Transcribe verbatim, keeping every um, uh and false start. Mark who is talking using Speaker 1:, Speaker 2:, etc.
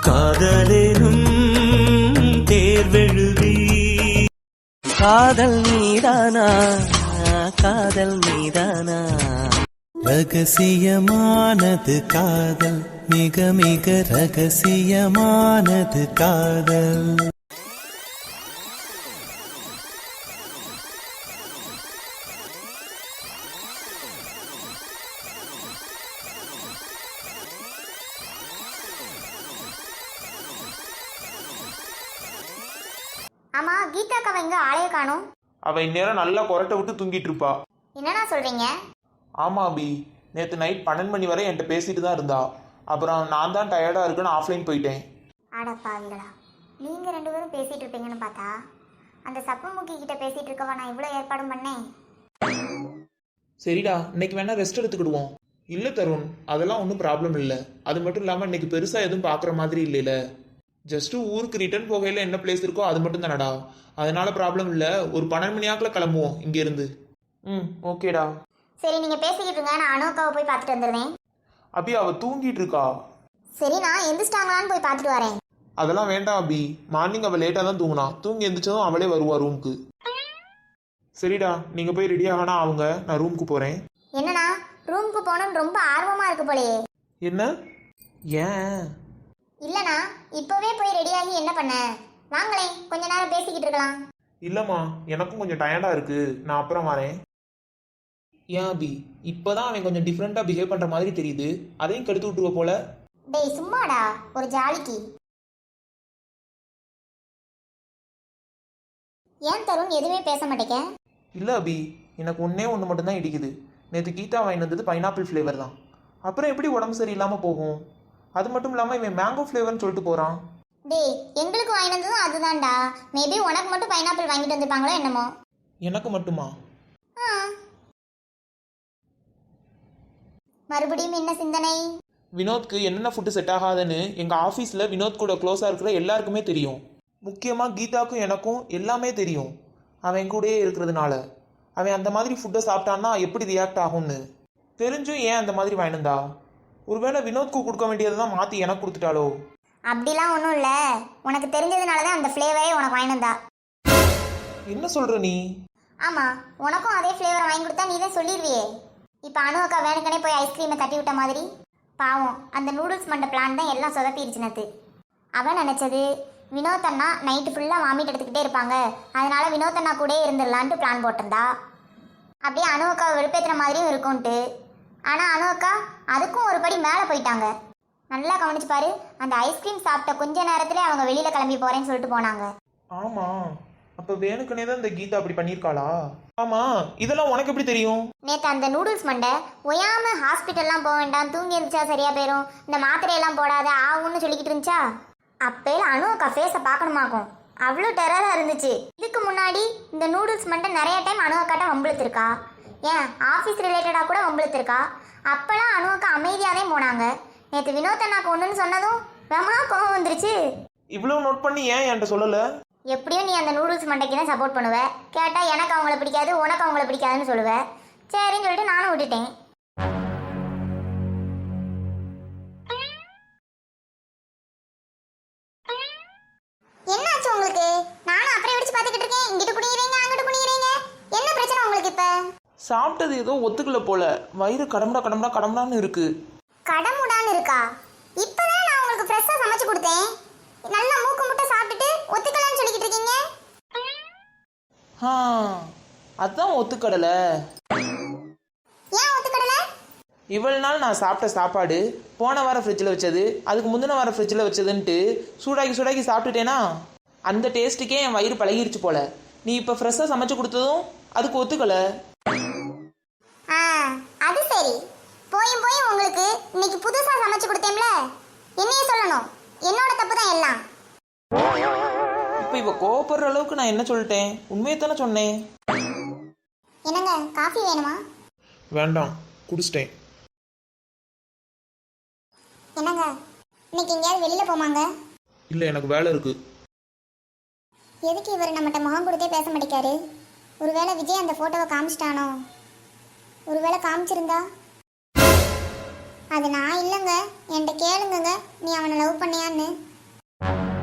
Speaker 1: காதலேனும் தேர்வெழுதி காதல் மீதானா காதல் மீதானா ரகசியமானது காதல் மிக மிக ரகசியமானது காதல்.
Speaker 2: ஆமா, கீதாக்கு அவ எங்க ஆளைய காணோம்?
Speaker 3: அவ இந்நேரம் நல்லா கொரட்டை விட்டு தூங்கிட்டு இருப்பா.
Speaker 2: என்னடா சொல்றீங்க?
Speaker 3: ஆமா அபி, நேற்று நைட் பன்னெண்டு மணி வரை என்கிட்ட பேசிட்டு தான் இருந்தா. அப்புறம் நான் தான் டயர்டா இருக்குன்னு ஆஃப்லைன் போயிட்டேன்.
Speaker 2: அட பாவிங்களா, நீங்க ரெண்டு பேரும் பேசிட்டு இருப்பீங்கன்னு பார்த்தா அந்த சப்பு முக்கி கிட்ட பேசிட்டு இருக்கவா நான் இவ்வளோ ஏற்பாடும் பண்ணேன்.
Speaker 3: சரிடா, இன்னைக்கு வேணா ரெஸ்ட் எடுத்துக்கிடுவோம். இல்லை தருண், அதெல்லாம் ஒன்றும் ப்ராப்ளம் இல்லை. அது மட்டும் இல்லாமல் இன்னைக்கு பெருசா எதுவும் பார்க்குற மாதிரி இல்லைல்ல. ஜஸ்ட் ஊருக்கு ரிட்டர்ன் போகையில் என்ன பிளேஸ் இருக்கோ அது மட்டும் தானடா. அதனால ப்ராப்ளம் இல்லை. ஒரு பன்னெண்டு மணி ஆக்கில் கிளம்புவோம் இங்கேருந்து. ம், ஓகேடா.
Speaker 2: சரி, நீங்க பேசிக்கிட்டு இருங்க, நான் அனுக்காவை போய் பார்த்துட்டு வந்துடுவேன்.
Speaker 3: அபி, அவ தூங்கிட்டு இருக்கா.
Speaker 2: சரி, நான் எந்திரிச்சிட்டாங்களான்னு போய் பார்த்துட்டு வரேன்.
Speaker 3: அதெல்லாம் வேண்டாம் அபி, மார்னிங் அவள் லேட்டாக தான் தூங்கினா. தூங்கி எந்திரிச்சதும் அவளே வருவா ரூமுக்கு. சரிடா, நீங்கள் போய் ரெடி ஆகனா அவங்க, நான் ரூமுக்கு போகிறேன்.
Speaker 2: என்னண்ணா, ரூமுக்கு போகணும்னு ரொம்ப ஆர்வமாக இருக்கு போலையே.
Speaker 3: என்ன? ஏன்?
Speaker 2: இல்லைண்ணா, இப்போவே போய் ரெடியாகி என்ன பண்ண? வாங்களேன், கொஞ்ச நேரம் பேசிக்கிட்டு இருக்கலாம்.
Speaker 3: இல்லைம்மா, எனக்கும் கொஞ்சம் டயர்டாக இருக்கு, நான் அப்புறம் வரேன். ஏன் அபி, இப்போதான் அவன் கொஞ்சம் டிஃப்ரெண்ட்டாக பிஹேவ் பண்ணுற மாதிரி தெரியுது. அதையும் கெடுத்து விட்டுருவ போல.
Speaker 2: டேய் சும்மாடா, ஒரு ஜாலிக்கு. ஏன் தருண் எதுவுமே பேச மாட்டேங்க?
Speaker 3: இல்லை அபி, எனக்கு ஒன்றே ஒன்று மட்டும்தான் இடிக்குது. நேற்று கீதா வாங்கி வந்தது பைனாப்பிள் ஃப்ளேவர் தான். அப்புறம் எப்படி உடம்பு சரியில்லாமல் போகும்? அது மட்டும் இல்லாமல் இவன் மேங்கோ ஃப்ளேவர்னு சொல்லிட்டு போகிறான்.
Speaker 2: டேய், எங்களுக்கு வாங்கி வந்ததும் அதுதான்டா. மேபி உனக்கு மட்டும் பைனாப்பிள் வாங்கிட்டு வந்திருப்பாங்களோ என்னமோ.
Speaker 3: எனக்கு மட்டுமா?
Speaker 2: ஆ, மறுபடியும் என்ன சிந்தனை?
Speaker 3: வினோத்க்கு என்னென்ன ஃபுட்டு செட் ஆகாதுன்னு எங்கள் ஆஃபீஸில் வினோத் கூட க்ளோஸாக இருக்கிற எல்லாருக்குமே தெரியும். முக்கியமாக கீதாக்கும் எனக்கும் எல்லாமே தெரியும். அவன் கூடயே இருக்கிறதுனால அவன் அந்த மாதிரி ஃபுட்டை சாப்பிட்டான்னா எப்படி ரியாக்ட் ஆகும்னு தெரிஞ்சும் ஏன் அந்த மாதிரி வாங்கினந்தா? ஒருவேளை வினோத்க்கு கொடுக்க வேண்டியதை தான் மாற்றி எனக்கு கொடுத்துட்டாளோ?
Speaker 2: அப்படிலாம் ஒன்றும் இல்லை, உனக்கு தெரிஞ்சதுனால தான் அந்த ஃப்ளேவரே உனக்கு வாங்கினதா.
Speaker 3: என்ன சொல்கிற நீ?
Speaker 2: ஆமாம், உனக்கும் அதே ஃப்ளேவரை வாங்கி கொடுத்தா நீ தான் சொல்லிடுவியே. இப்போ அனுவக்கா வேணுக்கனே போய் ஐஸ்கிரீமை தட்டி விட்ட மாதிரி. பாவம், அந்த நூடுல்ஸ் மண்ட பிளான் தான் எல்லாம் சொதப்பிடுச்சுனது. அவன் நினச்சது வினோத் அண்ணா நைட்டு ஃபுல்லாக வாமிட் எடுத்துக்கிட்டே இருப்பாங்க, அதனால வினோத் அண்ணா கூட இருந்துடலான்ட்டு பிளான் போட்டிருந்தா. அப்படியே அனுவக்காவை வெறுப்பேற்றுற மாதிரியும் இருக்கும்ன்ட்டு. ஆனால் அனுவக்கா அதுக்கும் ஒரு படி மேலே போயிட்டாங்க. நல்லா கவனிச்சு பாரு, அந்த ஐஸ்கிரீம் சாப்பிட்ட கொஞ்ச நேரத்திலே அவங்க வெளியில் கிளம்பி போகிறேன்னு சொல்லிட்டு போனாங்க.
Speaker 3: ஆமாம், அப்போ வேணுக்குனே தான் இந்த கீதா அப்படி பண்ணியிருக்காளா? ஆமாம், இதெல்லாம் உனக்கு எப்படி தெரியும்?
Speaker 2: நேற்று அந்த நூடுல்ஸ் மண்டை ஒயாம ஹாஸ்பிட்டல்லாம் போக வேண்டாம், தூங்கி இருந்துச்சா சரியா போயிடும், இந்த மாத்திரையெல்லாம் போடாத ஆகும்னு சொல்லிக்கிட்டு இருந்துச்சா. அப்போல அனுவக்கா ஃபேஸை பார்க்கணுமாக்கும், அவ்வளோ டெரராக இருந்துச்சு. இதுக்கு முன்னாடி இந்த நூடுல்ஸ் மண்டை நிறைய டைம் அனுவக்காட்ட வம்பிழுத்திருக்கா, ஏன் ஆஃபீஸ் ரிலேட்டடாக கூட வம்பிழுத்திருக்கா. அப்போல்லாம் அனுவக்கா அமைதியாகவே போனாங்க. நேற்று வினோத் அண்ணாக்கு ஒன்றுன்னு சொன்னதும் வெமா கோவம் வந்துருச்சு.
Speaker 3: இவ்வளோ நோட் பண்ணி ஏன் என்கிட்ட சொல்லலை?
Speaker 2: எப்படியும் நீ அந்த நூடுல்ஸ் மண்டைக்கு தான் சப்போர்ட் பண்ணுவ. கேட்டால் எனக்கு அவங்கள பிடிக்காது, உனக்கு அவங்கள பிடிக்காதுன்னு சொல்லுவேன். சரின்னு சொல்லிட்டு நானும் விட்டுட்டேன். என்னாச்சு உங்களுக்கு? நானும் அப்புறம் விடிச்சு பார்த்துக்கிட்டு இருக்கேன். இங்கிட்டு குடிக்கிறீங்க, அங்கிட்டு குடிக்கிறீங்க. என்ன பிரச்சனை உங்களுக்கு இப்போ?
Speaker 3: சாப்பிட்டது ஏதோ ஒத்துக்கல போல, வயிறு கடம்படா கடம்படா கடம்படான்னு இருக்கு.
Speaker 2: கடமுடான்னு இருக்கா? இப்பதான் நான் உங்களுக்கு ஃப்ரெஷ்ஷா சமைச்சு கொடுத்தேன். நல்லா மூக்கு முட்டை சாப்பிட்டுட்டு ஒத்துக்கலன்னு சொல்லிக்கிட்டு இருக்கீங்க.
Speaker 3: ஆ, அதான் ஒத்துக்கடலை.
Speaker 2: ஏன் ஒத்துக்கடலை?
Speaker 3: இவ்வளவு நாள் நான் சாப்பிட்ட சாப்பாடு போன வாரம் ஃப்ரிட்ஜில் வச்சது, அதுக்கு முந்தின வாரம் ஃப்ரிட்ஜில் வச்சதுன்ட்டு சூடாக்கி சூடாக்கி சாப்பிட்டுட்டேனா, அந்த டேஸ்ட்டுக்கே என் வயிறு பழகிருச்சு போல. நீ இப்போ ஃப்ரெஷ்ஷாக சமைச்சு கொடுத்ததும் அதுக்கு ஒத்துக்கலை.
Speaker 2: ஆ, அது சரி. போயும் போயும் உங்களுக்கு இன்னைக்கு புதுசா சமைச்சு கொடுத்தேன்ல, என்னையே சொல்லணும். என்னோட தப்பு தான் எல்லாம்.
Speaker 3: இப்போ இவ கோபப்படுற அளவுக்கு நான் என்ன சொல்லிட்டேன்? உண்மையை தானே சொன்னேன்.
Speaker 2: என்னங்க, காஃபி வேணுமா?
Speaker 3: வேண்டாம், குடிச்சிட்டேன்.
Speaker 2: என்னங்க, இன்னைக்கு எங்கேயாவது வெளியில போமாங்க?
Speaker 3: இல்லை, எனக்கு வேலை இருக்கு.
Speaker 2: எதுக்கு இவர் நம்மகிட்ட முகம் கொடுத்தே பேச மாட்டேக்காரு? ஒருவேளை விஜய் அந்த போட்டோவை காமிச்சிட்டானோ? ஒருவேளை காமிச்சிருந்தா? அது நான் இல்லைங்க, என்கிட்ட கேளுங்க, நீ அவனை லவ் பண்ணியான்னு.
Speaker 3: ஆ